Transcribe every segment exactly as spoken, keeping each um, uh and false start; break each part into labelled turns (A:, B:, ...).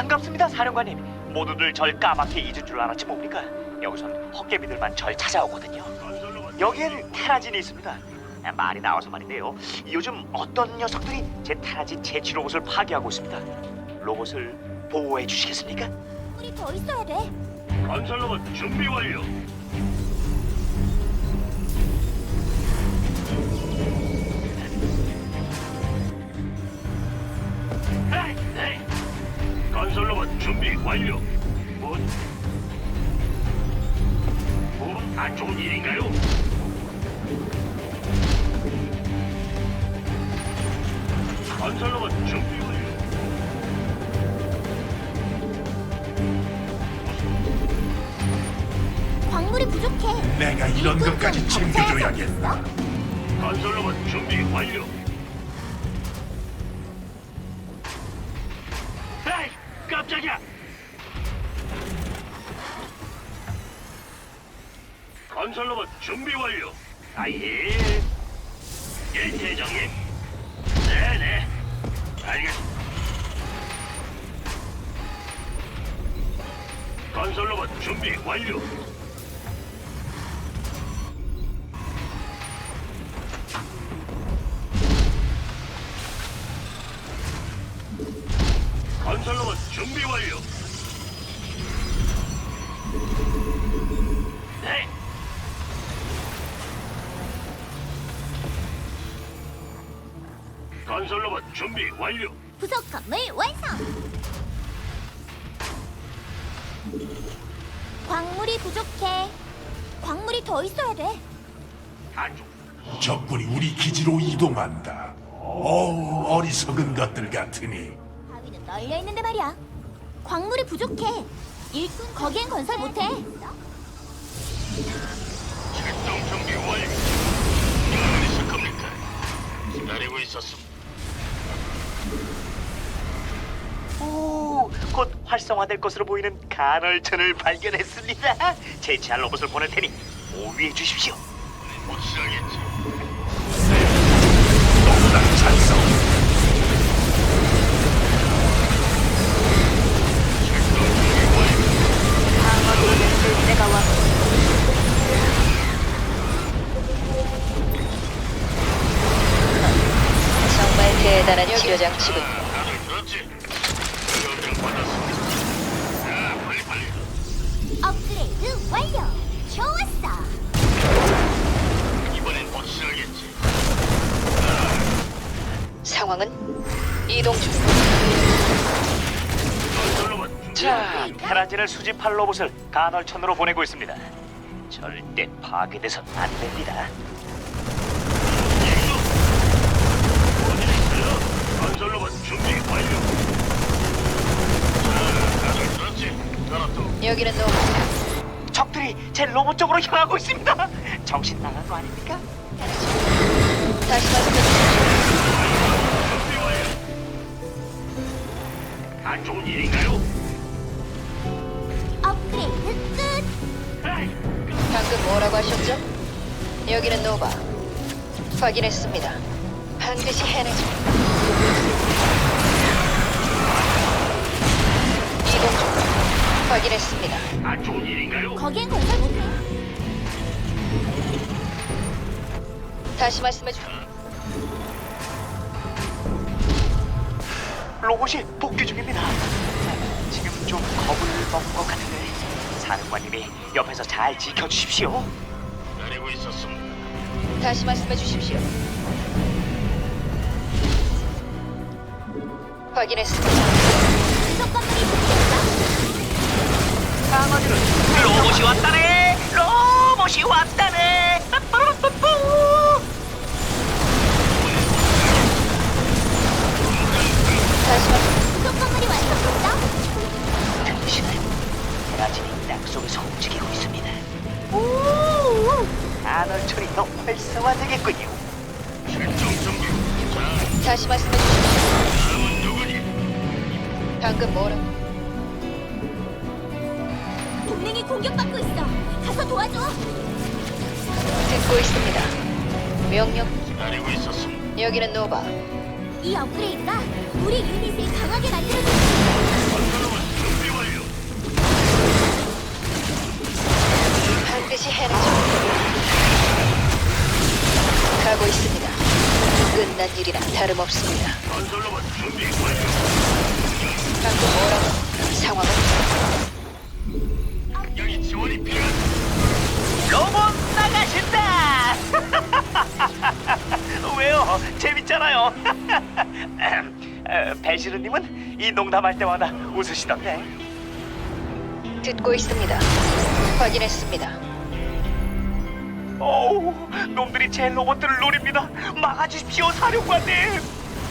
A: 반갑습니다, 사령관님. 모두들 절 까맣게 잊은 줄 알았지 뭡니까? 여기선 헛개비들만 절 찾아오거든요. 여기엔 테라진이 있습니다. 아, 말이 나와서 말인데요. 요즘 어떤 녀석들이 제 테라진 제치 로봇을 파괴하고 있습니다. 로봇을 보호해 주시겠습니까?
B: 우리 더 있어야 돼.
C: 건설로봇 준비 완료. 에이, 에이. 건설로봇 준비 완료. 뭐? 뭐? 안 좋은 일인가요? 건설로봇 준비 완료.
B: 광물이 부족해.
D: 내가 이런
B: 일꾼
D: 것까지
B: 좀
D: 챙겨줘야겠다.
B: 더
C: 건설로봇 준비 완료. 에이, 깜짝이야. 건설로봇 준비 완료. 아예. 예, 대장님. 네네. 알겠습니다. 건설로봇 준비 완료. 건설로봇 준비 완료. 네. 건설로봇 준비 완료.
B: 부속 건물 완성. 광물이 부족해. 광물이 더 있어야 돼.
C: 안쪽.
D: 적군이 우리 기지로 이동한다. 어우, 어리석은 것들 같으니.
B: 바위는 널려 있는데 말이야. 광물이 부족해. 일꾼 거기엔 건설 못해.
C: 출동 준비 완료. 어디 있을 겁니까? 기다리고 있었습니다.
A: 오, 곧 활성화될 것으로 보이는 간헐천을 발견했습니다. 제치할 로봇을 보낼 테니 오위해 주십시오.
C: 확실하겠지.
D: 너무나 찬성.
C: 출동 준비 완료.
B: 방어도를 내가 와.
E: 정말 대단한 치료 장치군.
C: 다들 들었지? 명령 받았습니다. 자, 빨리 빨리.
B: 업그레이드 완료. 좋았어.
C: 이번엔 확실하겠지.
E: 상황은 이동 중.
C: 건설로봇 준비
A: 자, 테라진을 수집할 로봇을 간헐천으로 보내고 있습니다. 절대 파괴돼선 안 됩니다.
C: 어디 있어요? 건설로봇 준비 완료. 자, 다들 들었지? 알았어.
E: 여기는 노바.
A: 적들이 제 로봇 쪽으로 향하고 있습니다. 정신 나간 거 아닙니까?
E: 다시 말씀해 주십시오.
C: 준비 완료. 안 좋은 일인가요?
B: 업그레이드 끝.
C: 에이,
E: 방금 뭐라고 하셨죠? 여기는 노바. 확인했습니다. 반드시 해내죠. 이동 중. 확인했습니다.
C: 안 좋은 일인가요?
B: 거기엔 건설 못해.
E: 다시 말씀해 주십시오.
A: 로봇이 복귀 중입니다. 지금 좀 겁을 먹은 것 같은데 사령관님이 옆에서 잘 지켜주십시오.
C: 기다리고 있었습니다.
E: 다시 말씀해 주십시오. 확인했습니다.
B: 부속 건물이 부족했어.
A: 강아지를 로봇이 왔다네. 로봇이 왔다네. 빠빠라빠뿌.
E: 다시 말씀.
B: 부속 건물이 완성됐어.
A: 당신은 테라진이 땅 속에서 움직이고 있습니다.
B: 오.
A: 간헐천이 더 활성화되겠군요.
C: 출동 준비. 자,
E: 다시 말씀해 주십시오.
C: 다음은 누구니?
E: 방금 뭐라고?
B: 동맹이 공격받고 있어. 가서 도와줘.
E: 듣고 있습니다. 명령.
C: 기다리고 있었습니다.
E: 여기는 노바.
B: 이 업그레이드가 우리 유닛을 강하게 만들어줄
C: 건설로봇
E: 끝난 일이나 다름없습니다.
C: 건설로봇 준비 완료.
E: 방금 뭐라고? 상황은
C: 여기 지원이 필요한.
A: 로봇 나가신다. 왜요? 재밌잖아요. 에, 배시르님은 이 농담할 때마다 웃으시던데.
E: 듣고 있습니다. 확인했습니다.
A: 어우, 놈들이 제 로봇들을 노립니다. 막아주십시오, 사령관님.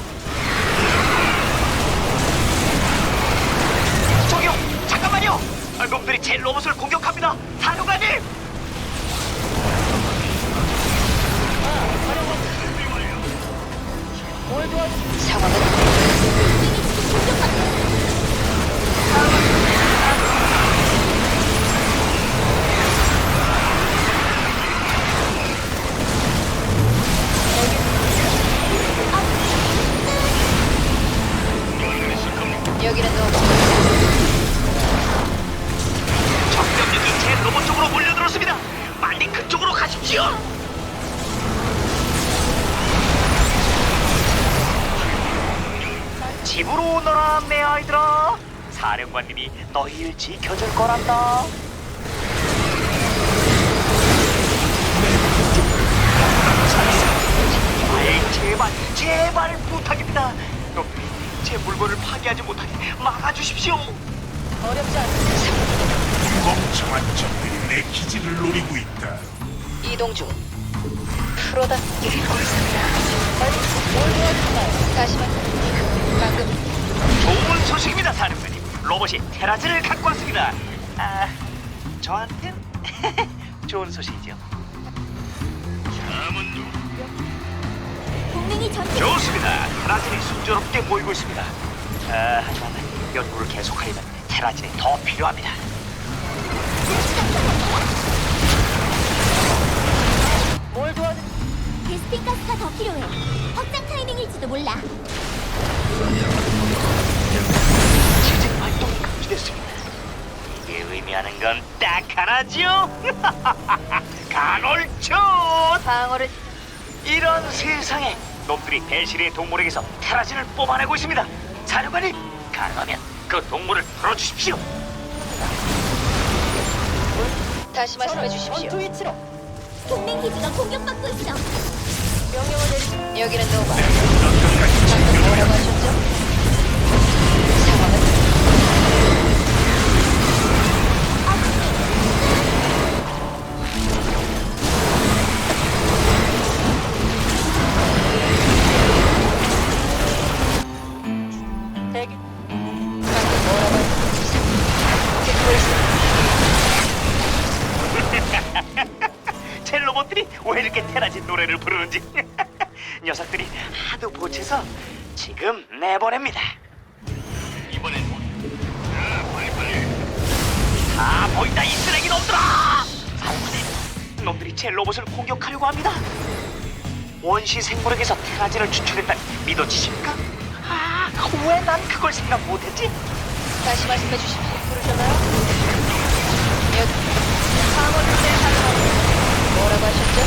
A: 저기요, 잠깐만요. 아, 놈들이 제 로봇을 공격합니다, 사령관님.
E: 상황은 여기는 노바.
A: 적병력이 제 로봇 쪽으로 몰려들었습니다. 빨리 그쪽으로 가십시오. 집으로 오너라, 내 아이들아. 사령관님이 너희를 지켜줄 거란다. 아이, 제발, 제발 부탁입니다. 놈들이 제 물건을 파괴하지 못하게 막아주십시오.
E: 어렵지 않습니다.
D: 멍청한 적들이 내 기지를 노리고 있다.
E: 이동 중. 프로답게 있습니다. 다시 말. 방금
A: 좋은 소식입니다, 사령관님. 로봇이 테라즈를 갖고 왔습니다. 아, 저한텐 좋은 소식이죠.
C: 다음은 누구?
B: 동맹이 전투
A: 좋습니다. 테라진이 순조롭게 모이고 있습니다. 아, 하지만 연구를 계속하려면 테라진이 더 필요합니다.
E: 뭘 도와드?
B: 베스핀 가스가 더 필요해. 확장 타이밍일지도 몰라.
A: 지진 활동이 감지됐습니다. 이게 의미하는 건 딱 하나죠. 간헐촌.
E: 방어를
A: 이런 세상에 놈들이 배실의 동물에게서 테라진을 뽑아내고 있습니다. 사령관님, 가능하면 그 동물을 풀어주십시오.
E: 다시 말씀해 주십시오.
B: 동맹 기지가 공격받고 있어.
E: 명령을 내리시. 여기는 노바. 방금 뭐라고 하셨죠? 상황은 대기. 방금 뭐라고 하셨죠? 듣고 있습니다.
A: 제 로봇들이 왜 이렇게 테라진 노래를 부르는지. 녀석들이 하도 보채서 지금 내보냅니다.
C: 이번엔 뭐? 자, 빨리 빨리.
A: 다 보인다, 이 쓰레기 놈들아! 사령관님, 놈들이 제 로봇을 공격하려고 합니다. 원시 생물에게서 테라진을 추출했다니 믿어지십니까? 아, 왜 난 그걸 생각 못했지?
E: 다시 말씀해 주십시오. 부르셨나요? 여기. 방어를 때 뭐라고 하셨죠?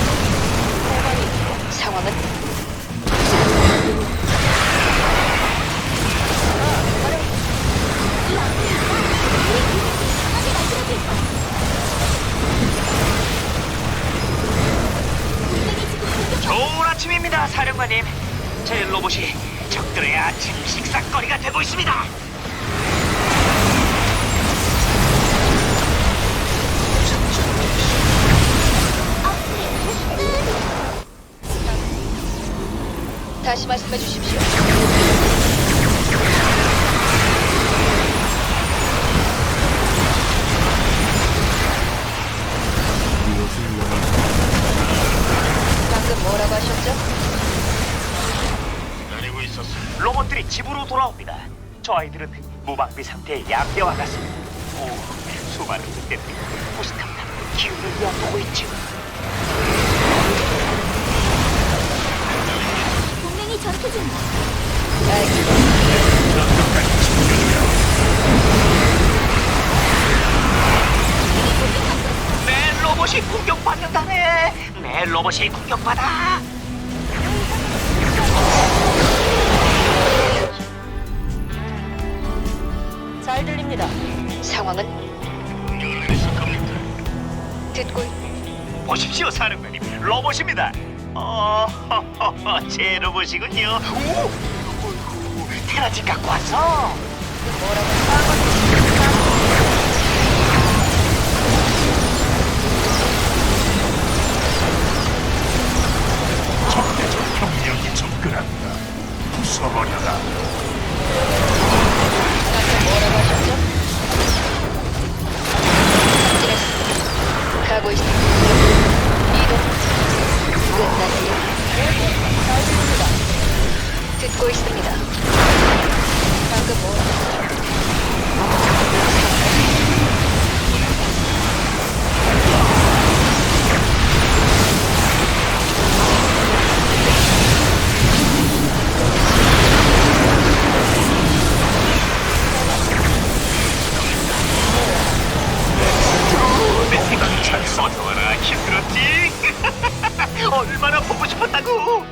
E: 상황은
A: 좋은 아침입니다, 사령관님. 제 로봇이 적들의 아침 식사거리가 되고 있습니다.
E: 다시 말씀해 주십시오. 방금 뭐라고 하셨죠?
C: 기다리고 있었어.
A: 로봇들이 집으로 돌아옵니다. 저 아이들은 무방비 상태의 양대와 같습니다. 오, 수많은 늑대들이 무스탕탕 기운을 엿보고 있죠.
B: 동맹이 전투 중.
E: 알겠습니다.
A: 내 로봇이 공격받는다네. 내 로봇이 공격받아.
E: 잘 들립니다. 상황은
C: 명령을 내리실 겁니까?
E: 듣고 있-
A: 보십시오, 사령관님. 로봇입니다. 어, 제 로봇이군요. 오, 어이구, 테라진 갖고 왔어.
D: 적대적 병력이 접근한다. 부숴버려라.
E: 방금 뭐라고 하셨죠? 확진했습니다. 가고 있습니다. 이동. 끝났습니다. 잘 들립니다. 듣고 있습니다. 방금 뭐라고 하셨죠?
A: 내 생각이 잘 써줘라. 힘들었지? 얼마나 보고 싶었다고.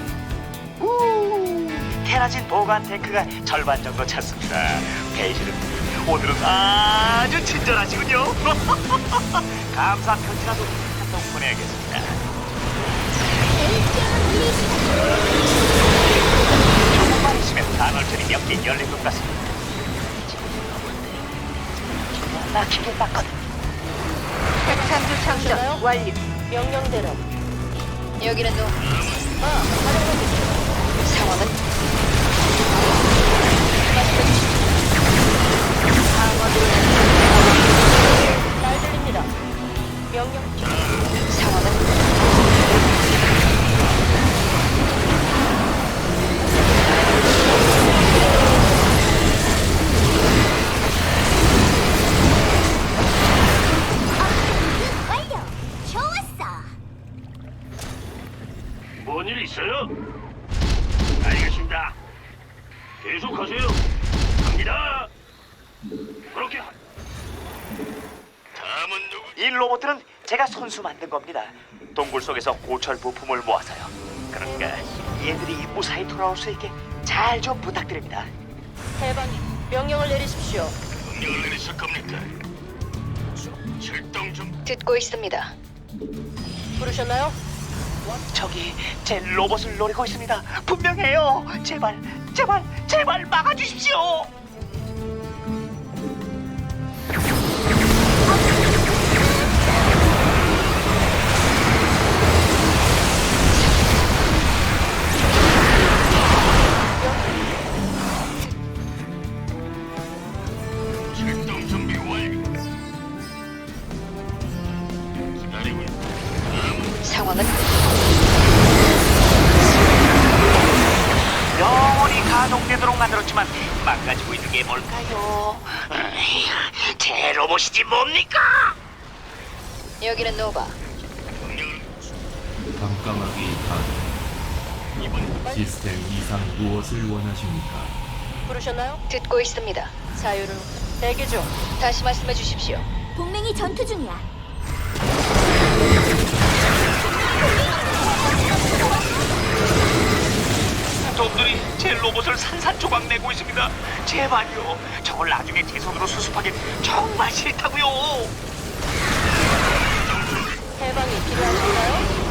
A: 우, 테라진 보관 탱크가 절반 정도 찼습니다. 배시는 오늘은 아주 친절하시군요. 감사 편지라도 한 통 보내야겠습니다. 조금만 있으면 단월천이 몇 개 열릴 것 같습니다. 막히게 맞거든.
E: 핵탄두 장전 완료. 명령대로. 여기는 노. 아, 사령관님. 상황은 말씀해 주십시오. 방어드로 잘 들립니다. 명령. 상황은
B: 완료. 좋았어.
C: 뭔 일 있어요? 알겠습니다. 계속하세요. 갑니다. 그렇게 하... 다음은 누구?
A: 이 로봇들은 제가 손수 만든 겁니다. 동굴 속에서 고철 부품을 모아서요. 그러니까 얘들이 무사히 돌아올 수 있게 잘 좀 부탁드립니다.
E: 해방이 명령을 내리십시오.
C: 명령을 내리실 겁니까? 출동 좀.
E: 듣고 있습니다. 부르셨나요?
A: 저기 제 로봇을 노리고 있습니다. 분명해요. 제발, 제발, 제발 막아주십시오.
C: 출동 준비 완료. 기다리고 있다. 다음은
E: 상황은
A: 영원히 가동되도록 만들었지만 망가지고 있는 게 뭘까요? 으이, 제 로봇이지 뭡니까?
E: 여기는 노바.
C: 명령을
F: 깜깜하기 반
C: 이번
F: 시스템 이상 무엇을 원하십니까?
E: 부르셨나요? 듣고 있습니다. 자유를 대기 중. 다시 말씀해 주십시오.
B: 동맹이 전투 중이야.
A: 놈들이 제 로봇을 산산조각 내고 있습니다. 제발요. 저걸 나중에 제 손으로 수습하긴 정말 싫다고요.
E: 해방이 필요하신가요?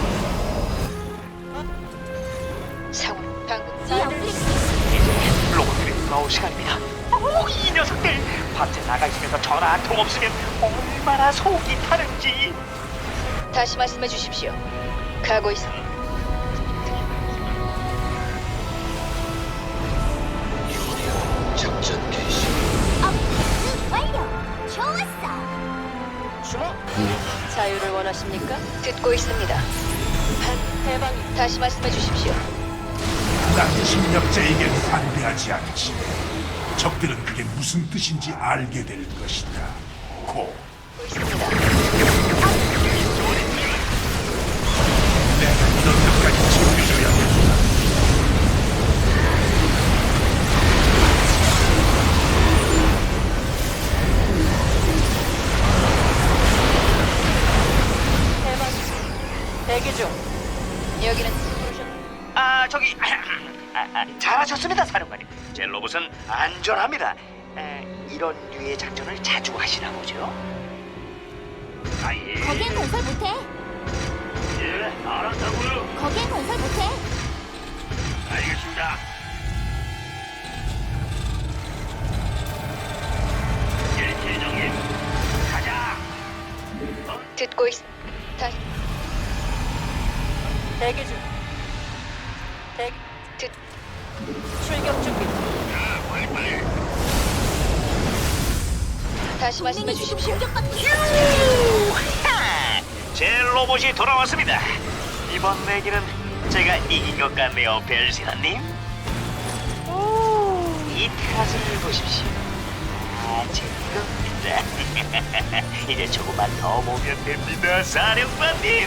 E: 상황 방금
B: 이
E: 잘
B: 업그레이드
E: 들립니다.
A: 이제 로봇들이 돌아올 시간입니다. 오, 이 녀석들 밤새 나가 있으면서 전화 한 통 없으면 얼마나 속이 타는지.
E: 다시 말씀해 주십시오. 가고 있습니다.
C: 작전 개시.
B: 업그레이드 완료. 좋았어.
E: 주목. 자유를 원하십니까? 듣고 있습니다. 한 해방이 다시 말씀해 주십시오.
D: 난 침략자에겐 반대하지 않지. 적들은 그게 무슨 뜻인지 알게 될 것이다. 고.
E: 듣고 있습니다.
D: 내가 이런 것까지 챙겨줘야겠다.
E: 해방이 대기 중. 여기는
A: 아 저기 잘하셨습니다, 사령관님. 제 로봇은 안전합니다. 에, 이런 류의 작전을 자주 하시나 보죠? 아예.
B: 거기엔 건설 못해.
C: 예, 알았다고요.
B: 거기엔 건설 못해.
C: 알겠습니다. 예, 대장님. 가자.
E: 듣고 있. 다시
G: 대기 중. 대기.
E: 듣.
G: 출격 준비.
C: 자, 빨리빨리.
E: 다시 말씀해
B: 동맹이 지금
E: 주십시오.
B: 공격받고 있어.
A: 하! 제 로봇이 돌아왔습니다. 이번 내기는 제가 이긴 것 같네요, 벨시라님. 이 테라스를 보십시오. 아, 재밌겁니다. 이제 조금만 더 모면 됩니다, 사령관님.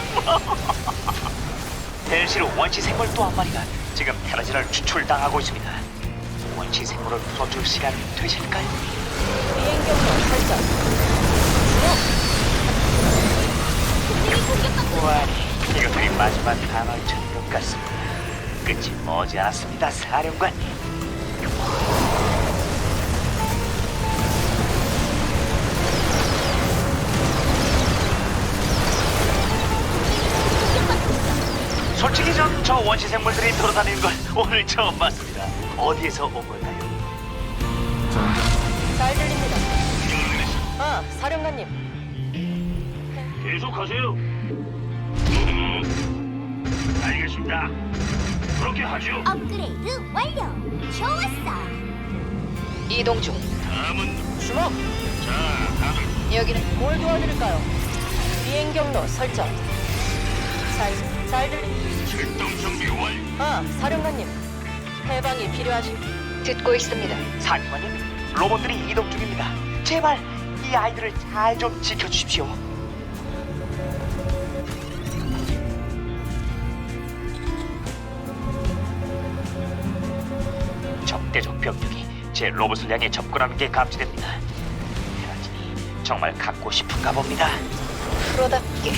A: 벨시르 원시 생물 또 한 마리가 지금 테라지를 추출당하고 있습니다. 원시 생물을 풀어줄 시간 되실까요?
G: 비행 경로 설정.
B: 동맹이 공격받고
A: 와, 이것들이 마지막 단어인 것 같습니다. 끝이 머지않았습니다, 사령관님. 솔직히 전 저 원시 생물들이 돌아다니는 걸 오늘 처음 봤습니다. 어디에서 온 걸까요?
F: 전장
G: 잘 들립니다. 아, 사령관님.
C: 계속하세요. 알겠습니다. 그렇게 하죠.
B: 업그레이드 완료. 좋았어.
E: 이동 중.
C: 다음은
G: 주목.
C: 자, 다들
E: 여기는
G: 뭘 도와드릴까요? 비행 경로 설정. 잘, 잘 들립니다.
C: 출동 준비 완료.
G: 아, 사령관님. 해방이 필요하시.
E: 듣고 있습니다.
A: 사령관님, 로봇들이 이동 중입니다. 제발 이 아이들을 잘 좀 지켜주십시오. 적대적 병력이 제 로봇을 향해 접근하는 게 감지됩니다. 테라진이 정말 갖고 싶은가 봅니다.
E: 프로답게.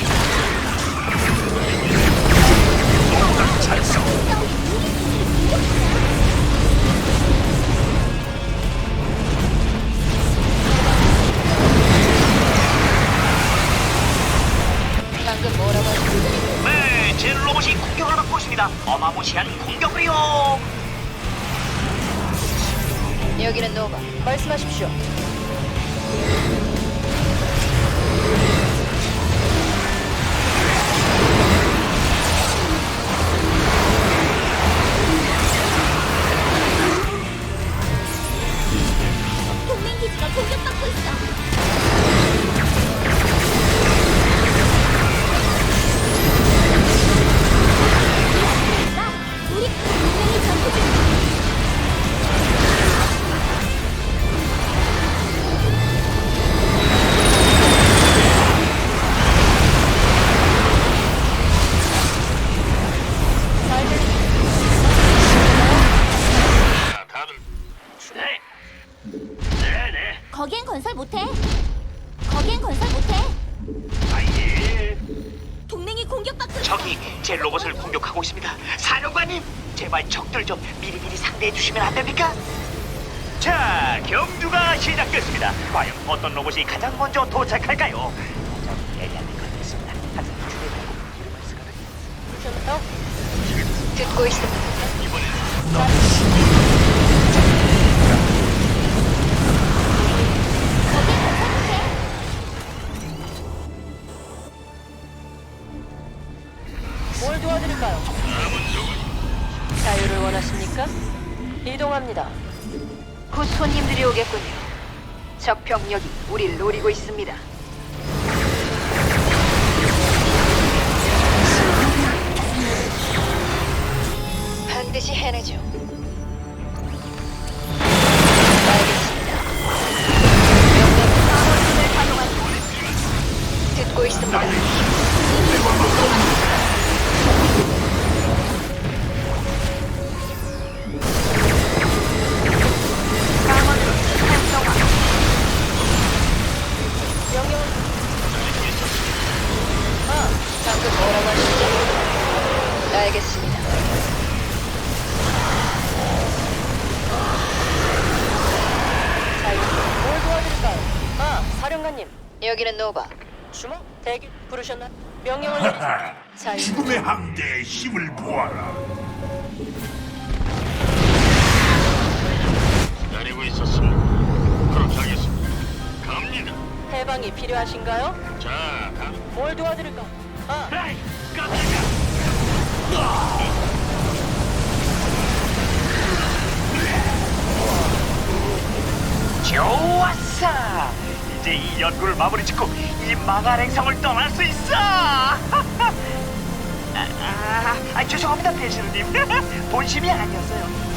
E: 방금 뭐라고 하셨죠?
A: 네, 제 로봇이 공격을 받고 있습니다. 어마무시한 공격을요.
E: 여기는 노바.
G: 말씀하십시오.
B: 동맹 기지가 공격받고 있어. 우리 동맹이 전투 중.
G: 잘 들립니다.
C: 자, 다들 네. 네, 네.
B: 거기엔 건설 못해. 거기엔 건설 못해.
C: 아예.
B: 동맹이 공격받고 있어.
A: 적이 제 로봇을 공격하고 있습니다. 사령관님, 제발 적들 좀 미리미리 상대해 주시면 안 됩니까? 자, 경주가 시작됐습니다. 과연 어떤 로봇이 가장 먼저 도착할까요? 가장 예리한 것 같습니다. 항상 주변에 이름을 쓰거든요.
G: 어?
E: 듣고 있습니다.
B: 거기엔 건설 못해.
G: 뭘 도와드릴까요? 자유를 원하십니까? 이동합니다.
E: 곧 손님들이 오겠군요. 적 병력이 우리를 노리고 있습니다. 반드시 해내죠. 알겠습니다. 명령을 가동하십시오. 듣고 있습니다.
G: 명령을. 아,
E: 방금 뭐라고 하셨죠? 알겠습니다.
G: 사령관님,
E: 여기는 노바.
G: 주먹 대기 부르셨나? 명령을 내리시.
D: 하하,
G: 잘
D: 죽음의 함대의 힘을 보아라.
C: 기다리고 있었습니다. 그렇게 하겠습니다. 갑니다.
G: 해방이 필요하신가요?
C: 자, 가.
G: 뭘 도와드릴까? 아,
C: 에이, 깜짝이야.
A: 좋았어. 이제 이 연구를 마무리 짓고 이 망할 행성을 떠날 수 있어. 아, 아, 아, 죄송합니다, 배신우님. 본심이 아니었어요.